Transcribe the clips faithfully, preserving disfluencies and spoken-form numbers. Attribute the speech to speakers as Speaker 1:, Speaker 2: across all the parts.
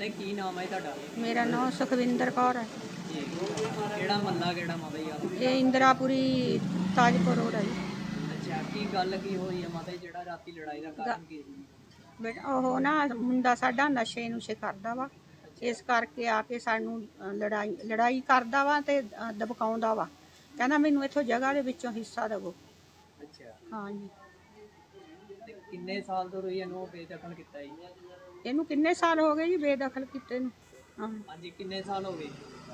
Speaker 1: ਮਾਤਾ ਜੀ ਕੀ ਨਾਮ ਹੈ ਤੁਹਾਡਾ?
Speaker 2: ਮੇਰਾ ਨਾਮ ਸੁਖਵਿੰਦਰ ਕੌਰ ਹੈ।
Speaker 1: ਜੀ ਕਿਹੜਾ ਮਹੱਲਾ ਕਿਹੜਾ ਮਾਤਾ ਜੀ ਆ?
Speaker 2: ਇਹ ਇੰਦਰਾਪੁਰੀ ਤਾਜਪੁਰ ਰੋਡ ਹੈ ਜੀ।
Speaker 1: ਅੱਛਾ ਕੀ ਗੱਲ ਕੀ ਹੋਈ ਹੈ ਮਾਤਾ ਜੀ, ਜਿਹੜਾ ਰਾਤੀ ਲੜਾਈ ਦਾ ਕਾਰਨ ਕੀ ਸੀ?
Speaker 2: ਬੇਟਾ ਉਹ ਨਾ ਮੁੰਡਾ ਸਾਡਾ ਨਸ਼ੇ ਨੁਸ਼ੇ ਕਰਦਾ ਵਾ, ਇਸ ਕਰਕੇ ਆ ਕੇ ਸਾਨੂੰ ਅ, ਲੜਾਈ ਲੜਾਈ ਕਰਦਾ ਵਾ ਤੇ ਅ, ਦਬਕਾਉਂਦਾ ਵਾ। ਕਹਿੰਦਾ ਮੈਨੂੰ ਇੱਥੋਂ ਜਗ੍ਹਾ ਦੇ ਵਿੱਚੋਂ ਹਿੱਸਾ ਦੇਵੋ।
Speaker 1: ਅੱਛਾ
Speaker 2: ਹਾਂਜੀ।
Speaker 1: ਤੇ ਕਿੰਨੇ ਸਾਲ ਤੋਂ ਰਹੀ ਇਹਨੂੰ ਬੇਦਖਲ ਕੀਤਾ ਜੀ?
Speaker 2: ਇਹਨੂੰ ਕਿੰਨੇ ਸਾਲ ਹੋ ਗਏ ਜੀ ਬੇਦਖਲ ਕੀਤੇ ਨੂੰ? ਹਾਂ,
Speaker 1: ਹਾਂਜੀ ਕਿੰਨੇ ਸਾਲ ਹੋ ਗਏ?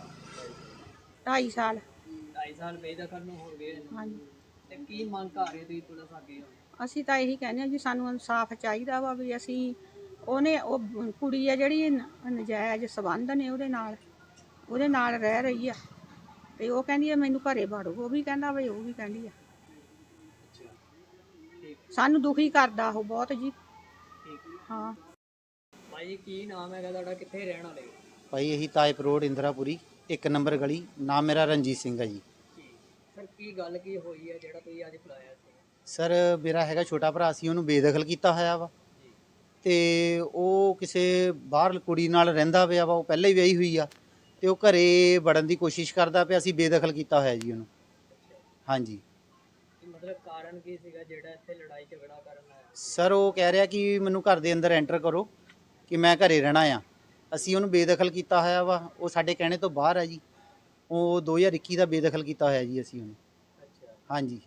Speaker 2: ਢਾਈ ਸਾਲ।
Speaker 1: ਢਾਈ ਸਾਲ ਬੇਦਖਲ ਨੂੰ ਹੋ ਗਏ ਇਹਨੂੰ।
Speaker 2: ਹਾਂਜੀ।
Speaker 1: ਤੇ ਕੀ ਮੰਗ ਕਰ ਰਹੇ ਤੁਸੀਂ ਪੁਲਿਸ ਅੱਗੇ?
Speaker 2: ਅਸੀਂ ਤਾਂ ਇਹੀ ਕਹਿੰਦੇ ਹਾਂ ਜੀ ਸਾਨੂੰ ਇਨਸਾਫ ਚਾਹੀਦਾ ਵਾ ਵੀ ਅਸੀਂ ਉਹਨੇ ਉਹ ਕੁੜੀ ਆ ਜਿਹੜੀ ਨ- ਨਜਾਇਜ਼ ਸੰਬੰਧ ਨੇ ਉਹਦੇ ਨਾਲ ਉਹਦੇ ਨਾਲ ਰਹਿ ਰਹੀ ਆ ਤੇ ਉਹ ਕਹਿੰਦੀ ਆ ਮੈਨੂੰ ਘਰੇ ਵੜੋ, ਉਹ ਵੀ ਕਹਿੰਦਾ ਵੀ ਉਹ ਵੀ ਕਹਿੰਦੀ ਆ।
Speaker 1: ਅੱਛਾ ਠੀਕ
Speaker 2: ਸਾਨੂੰ ਦੁਖੀ ਕਰਦਾ ਉਹ ਬਹੁਤ ਜੀ।
Speaker 1: ਠੀਕ।
Speaker 2: ਹਾਂ।
Speaker 1: ਭਾਈ ਕੀ ਨਾਮ ਹੈਗਾ ਤੁਹਾਡਾ, ਕਿੱਥੇ ਰਹਿਣ ਵਾਲੇ?
Speaker 3: ਭਾਈ ਇਹੀ ਤਾਜਪੁਰ ਰੋਡ ਇੰਦਰਾਪੁਰੀ ਇੱਕ ਨੰਬਰ ਗਲੀ। ਨਾਮ ਮੇਰਾ ਰਣਜੀਤ ਸਿੰਘ ਹੈ ਜੀ।
Speaker 1: ਸਰ ਕੀ ਗੱਲ ਕੀ ਹੋਈ ਹੈ ਜਿਹੜਾ ਤੁਸੀਂ ਅੱਜ ਬੁਲਾਇਆ ਸੀ?
Speaker 3: ਸਰ ਮੇਰਾ ਹੈਗਾ ਛੋਟਾ ਭਰਾ ਸੀ, ਉਹਨੂੰ ਬੇਦਖਲ ਕੀਤਾ ਹੋਇਆ ਵਾ
Speaker 1: ਜੀ
Speaker 3: ਤੇ ਉਹ ਕਿਸੇ ਬਾਹਰ ਕੁੜੀ ਨਾਲ ਰਹਿੰਦਾ ਪਿਆ ਵਾ। ਉਹ ਪਹਿਲਾਂ ਹੀ ਵਿਆਹੀ ਹੋਈ ਆ ਤੇ ਉਹ ਘਰੇ ਵੜਨ ਦੀ ਕੋਸ਼ਿਸ਼ ਕਰਦਾ ਪਿਆ। ਅਸੀਂ ਬੇਦਖਲ ਕੀਤਾ ਹੋਇਆ ਜੀ ਉਹਨੂੰ। ਹਾਂਜੀ
Speaker 1: ਕੀ ਮਤਲਬ ਕਾਰਨ ਕੀ ਸੀਗਾ ਜਿਹੜਾ ਇੱਥੇ ਲੜਾਈ ਝਗੜਾ ਕਰਨ ਆਇਆ?
Speaker 3: ਸਰ ਉਹ ਕਹਿ ਰਿਹਾ ਕਿ ਮੈਨੂੰ ਘਰ ਦੇ ਅੰਦਰ ਐਂਟਰ ਕਰੋ ਕਿ ਮੈਂ ਘਰੇ ਰਹਿਣਾ ਆ। ਅਸੀਂ ਉਹਨੂੰ ਬੇਦਖਲ ਕੀਤਾ ਹੋਇਆ ਵਾ। ਉਹ ਸਾਡੇ ਕਹਿਣੇ ਤੋਂ ਬਾਹਰ ਆ ਜੀ। ਉਹ ਦੋ ਹਜ਼ਾਰ ਇੱਕੀ ਦਾ ਬੇਦਖਲ ਕੀਤਾ ਹੋਇਆ ਜੀ ਅਸੀਂ ਉਹਨੂੰ।
Speaker 1: ਅੱਛਾ
Speaker 3: ਹਾਂਜੀ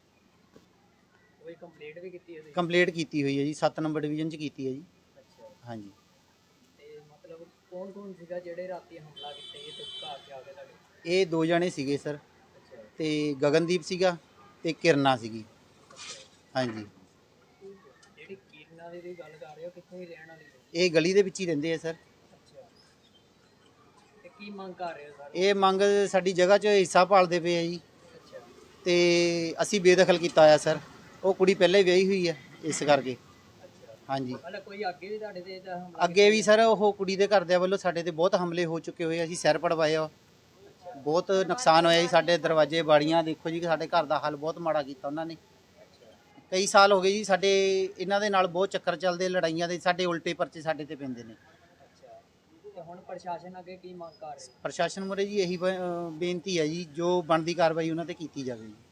Speaker 1: ਕੋਈ ਕੰਪਲੇਂਟ ਵੀ ਕੀਤੀ ਹੋਈ?
Speaker 3: ਕੰਪਲੀਟ ਕੀਤੀ ਹੋਈ ਹੈ ਜੀ, ਸੱਤ ਨੰਬਰ ਡਿਵੀਜ਼ਨ 'ਚ ਕੀਤੀ ਹੈ ਜੀ।
Speaker 1: ਅੱਛਾ
Speaker 3: ਹਾਂਜੀ
Speaker 1: ਤੇ ਮਤਲਬ ਕੌਣ ਕੌਣ ਸੀਗਾ ਜਿਹੜੇ ਰਾਤੀ ਹਮਲਾ ਕੀਤਾ ਇਹ ਤੇ ਘਰ 'ਚ ਆ ਕੇ ਤੁਹਾਡੇ?
Speaker 3: ਇਹ ਦੋ ਜਣੇ ਸੀਗੇ ਸਰ,
Speaker 1: ਅੱਛਾ
Speaker 3: ਤੇ ਗਗਨਦੀਪ ਸੀਗਾ ਤੇ ਕਿਰਨਾ ਸੀਗੀ। ਹਾਂਜੀ
Speaker 1: ਜਿਹੜੀ ਕੀਰਨਾ ਦੀ ਤੁਸੀਂ ਗੱਲ ਕਰ ਰਹੇ ਹੋ ਕਿੱਥੋਂ ਹੀ ਰਹਿਣ ਵਾਲੀ ਹੈ?
Speaker 3: ਇਹ ਗਲੀ ਦੇ ਵਿੱਚ ਹੀ ਰਹਿੰਦੇ ਆ ਸਰ।
Speaker 1: ਅੱਛਾ ਤੇ ਕੀ ਮੰਗ ਕਰ ਰਹੇ ਹੋ ਸਰ?
Speaker 3: ਇਹ ਮੰਗ ਸਾਡੀ ਜਗ੍ਹਾ 'ਚ ਹਿੱਸਾ ਪਾਲਦੇ ਪਏ ਆ ਜੀ
Speaker 1: ਅੱਛਾ
Speaker 3: ਤੇ ਅਸੀਂ ਬੇਦਖਲ ਕੀਤਾ ਹੋਇਆ ਸਰ। ਉਹ ਕੁੜੀ ਪਹਿਲਾਂ ਹੀ ਵਿਆਹੀ ਹੋਈ ਹੈ ਇਸ ਕਰਕੇ।
Speaker 1: ਅੱਛਾ
Speaker 3: ਹਾਂਜੀ
Speaker 1: ਮਤਲਬ ਕੋਈ ਅੱਗੇ ਵੀ ਤੁਹਾਡੇ ਤੇ ਇਹਦਾ ਹਮਲਾ
Speaker 3: ਅੱਗੇ ਵੀ ਸਰ ਉਹ ਕੁੜੀ ਦੇ ਘਰਦਿਆਂ ਵੱਲੋਂ ਸਾਡੇ ਤੇ ਬਹੁਤ ਹਮਲੇ ਹੋ ਚੁੱਕੇ ਹੋਏ। ਅਸੀਂ ਸਿਰ ਪੜਵਾਏ ਆ, ਬਹੁਤ ਨੁਕਸਾਨ ਹੋਇਆ ਜੀ। ਸਾਡੇ ਦਰਵਾਜ਼ੇ ਬਾੜੀਆਂ ਦੇਖੋ ਜੀ, ਸਾਡੇ ਘਰ ਦਾ ਹਾਲ ਬਹੁਤ ਮਾੜਾ ਕੀਤਾ ਉਹਨਾਂ ਨੇ। ਕਈ ਸਾਲ ਹੋ ਗਏ ਜੀ ਸਾਡੇ ਇਹਨਾਂ ਦੇ ਨਾਲ ਬਹੁਤ ਚੱਕਰ ਚੱਲਦੇ ਲੜਾਈਆਂ ਦੇ। ਸਾਡੇ ਉਲਟੇ ਪਰਚੇ ਸਾਡੇ ਤੇ ਪੈਂਦੇ ਨੇ।
Speaker 1: ਅੱਛਾ ਤੇ ਹੁਣ ਪ੍ਰਸ਼ਾਸਨ ਅੱਗੇ ਕੀ ਮੰਗ ਕਰ ਰਹੇ ਹੋ?
Speaker 3: ਪ੍ਰਸ਼ਾਸਨ ਮੁਰੇ ਜੀ ਇਹੀ ਬ- ਅਹ ਬੇਨਤੀ ਹੈ ਜੀ, ਜੋ ਬਣਦੀ ਕਾਰਵਾਈ ਉਹਨਾਂ ਤੇ ਕੀਤੀ ਜਾਵੇ ਜੀ।